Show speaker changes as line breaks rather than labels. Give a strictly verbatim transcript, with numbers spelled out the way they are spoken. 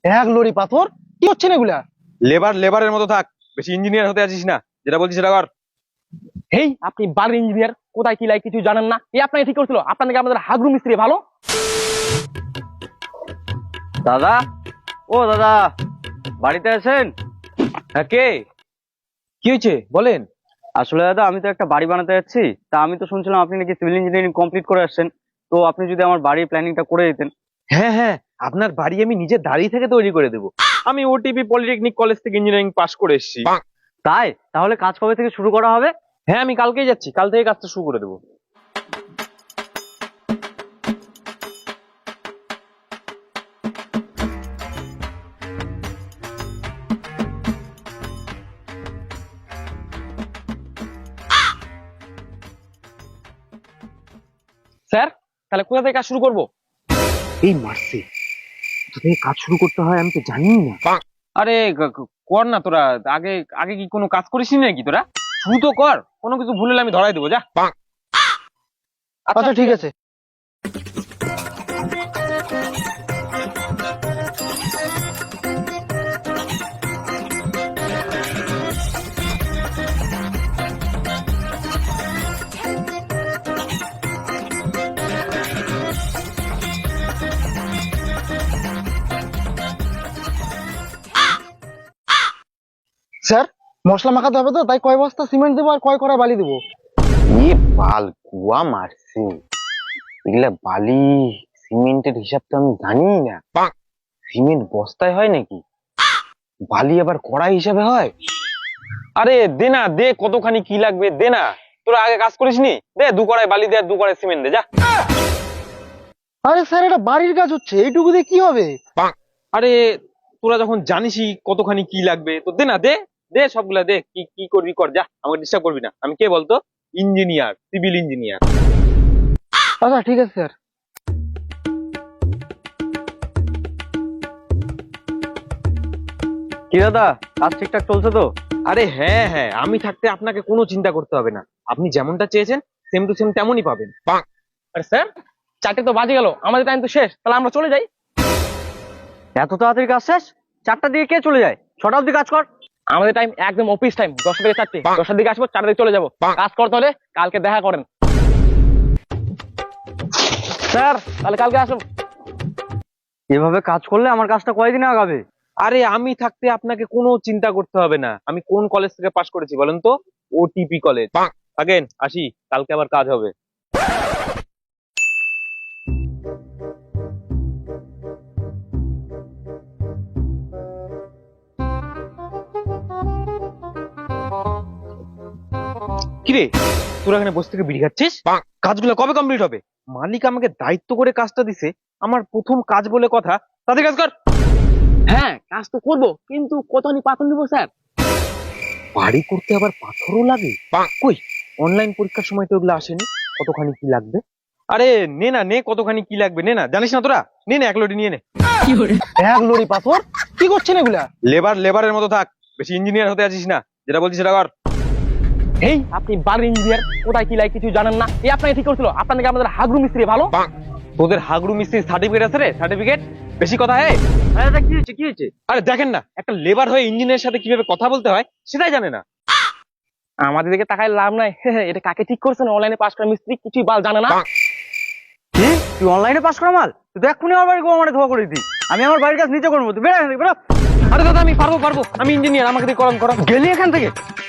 এক লরি পাথর কি হচ্ছে না এগুলা?
লেবার লেবারের মতো থাক, বেশি ইঞ্জিনিয়ার হতে আছিস না। যেটা বলছিস সেটা কর।
হেই, আপনি বাড়ির ইঞ্জিনিয়ার, কোথায় কি লাগে কিছু জানেন না। এই আপনাকে ঠিক করছিল, আপনার নাকি আমাদের হাগরু মিস্ত্রি ভালো।
দাদা, ও দাদা, বাড়িতে আছেন?
হ্যাঁ, কে? কি হয়েছে বলেন।
আসলে দাদা, আমি তো একটা বাড়ি বানাতে যাচ্ছি। তা আমি তো শুনছিলাম আপনি নাকি সিভিল ইঞ্জিনিয়ারিং কমপ্লিট করে আসছেন। তো আপনি যদি আমার বাড়ির প্ল্যানিংটা করে দিতেন।
হ্যাঁ হ্যাঁ, আপনার বাড়ি আমি নিজের দাঁড়িয়ে থেকে তৈরি করে দেবো। আমি ওটিপি পলিটেকনিক কলেজ থেকে ইঞ্জিনিয়ারিং পাস করে এসেছি।
তাই তাহলে কাজ কবে থেকে শুরু করা হবে?
হ্যাঁ, আমি কালকেই যাচ্ছি, কাল থেকে কাজটা শুরু করে দেবো।
স্যার, তাহলে কোথা থেকে কাজ শুরু করবো?
এই মারছে, কোথা থেকে কাজ শুরু করতে হয় আমি তো জানি না। আরে গ- গ- কর না তোরা। আগে আগে কি কোনো কাজ করিসনি নাকি তোরা? শুরু তো কর, কোনো কিছু ভুল হলে আমি ধরাই দেবো। যা।
আচ্ছা ঠিক আছে। স্যার, মশলা মাখাতে হবে তো, তাই কয় বস্তা সিমেন্ট দেবো আর কয় কড়াই বালি দেবো?
এ বাল কুয়া মারছে, এগুলা বালি সিমেন্টের হিসাব তো আমি জানি না। সিমেন্ট বস্তায় হয় নাকি? বালি আবার কড়াই হিসাবে হয়?
আরে দে না, দে কতখানি কি লাগবে দে না। তোরা আগে কাজ করিসনি, দে দু কড়াই বালি দে আর দু কড়াই সিমেন্ট দে। যা।
আরে স্যার, এটা বাড়ির কাজ হচ্ছে, এইটুকু দিয়ে কি হবে?
আরে তোরা যখন জানিসই কতখানি কি লাগবে, তো দে না, দে দে সবগুলা দে। কি কি করবি কর, যা, আমাকে ডিস্টার্ব করবি না। আমি কে বলতো? Engineer, civil engineer.
আচ্ছা ঠিক আছে স্যার।
কি দাদা, কাজ ঠিকঠাক চলছে তো?
আরে হ্যাঁ হ্যাঁ, আমি থাকতে আপনাকে কোনো চিন্তা করতে হবে না। আপনি যেমনটা চেয়েছেন সেম টু সেম তেমনই পাবেন।
আরে স্যার, চারটে তো বাজে গেল, আমাদের টাইম তো শেষ, তাহলে আমরা চলে যাই।
এত তাড়াতাড়ি কাজ শেষ? চারটা দিকে কে চলে যায়? ছটা অব্দি কাজ কর।
আমাদের টাইম একদম অফিস টাইম, দশটা থেকে চারটে। দশটার দিকে আসবো, চারটার দিকে চলে যাবো। কাজ করতে হলে কালকে দেখা করেন। স্যার, তাহলে কালকে আসুন।
এভাবে কাজ করলে আমার কাজটা কয়দিনে আগাবে?
আরে আমি থাকতে আপনাকে কোনো চিন্তা করতে হবে না। আমি কোন কলেজ থেকে পাশ করেছি বলেন তো? OTP college. আগেন আসি, কালকে আবার কাজ হবে। কিরে, তোরা এখানে বসে থেকে বিড়ি খাচ্ছিস? কাজগুলো কবে কমপ্লিট হবে? মালিক আমাকে দায়িত্ব করে কাজটা দিছে, আমার প্রথম কাজ বলে কথা। তাদের কাজ কর।
হ্যাঁ, কাজ তো করবো, কিন্তু কতখানি পাথর নিবো স্যার?
বাড়ি করতে আবার পাথরও লাগে? কই, অনলাইন পরীক্ষার সময় তো ওগুলো আসেনি। কতখানি কি লাগবে? আরে নে না, নে কতখানি কি লাগবে নে না। জানিস না তোরা? নে না, এক লোটি নিয়ে নে।
এক লরি পাথর কি করছেন এগুলা?
লেবার লেবারের মতো থাক, বেশি ইঞ্জিনিয়ার হতে আছিস না। যেটা বলছিস সেটা কর।
হেই, আপনি বাড়ির ইঞ্জিনিয়ার, কোথায় কি লাগে কিছু জানেন না। এই আপনাকে ঠিক করছিল, আপনার নাকি আমাদের হাগরু মিস্ত্রি ভালো।
তোদের হাগরু মিস্ত্রির সার্টিফিকেট আছে রে? সার্টিফিকেট বেশি কথা। হে
আরে দাদা, কি হয়েছে কি হয়েছে?
আরে দেখেন না, একটা লেবার হয়ে ইঞ্জিনিয়ারের সাথে কিভাবে কথা বলতে হয় সেটাই জানে না।
আমাদের দিকে তাকায় লাভ নাই। এটা কাকে ঠিক করছেন? অনলাইনে পাস করা মিস্ত্রি কিছুই বাল জানে না।
কি, তুই অনলাইনে পাস করা মাল? তুই তো এক্ষুনি আমার বাড়ি গোয়া ধোয়া করে দিই। আমি আমার বাড়ির কাজ নিচে করবো, তুই বেরো এখান থেকে, বেরো।
আরে দাদা, আমি পারবো পারবো, আমি ইঞ্জিনিয়ার, আমাকে দিয়ে করান করান।
গেলি এখান থেকে?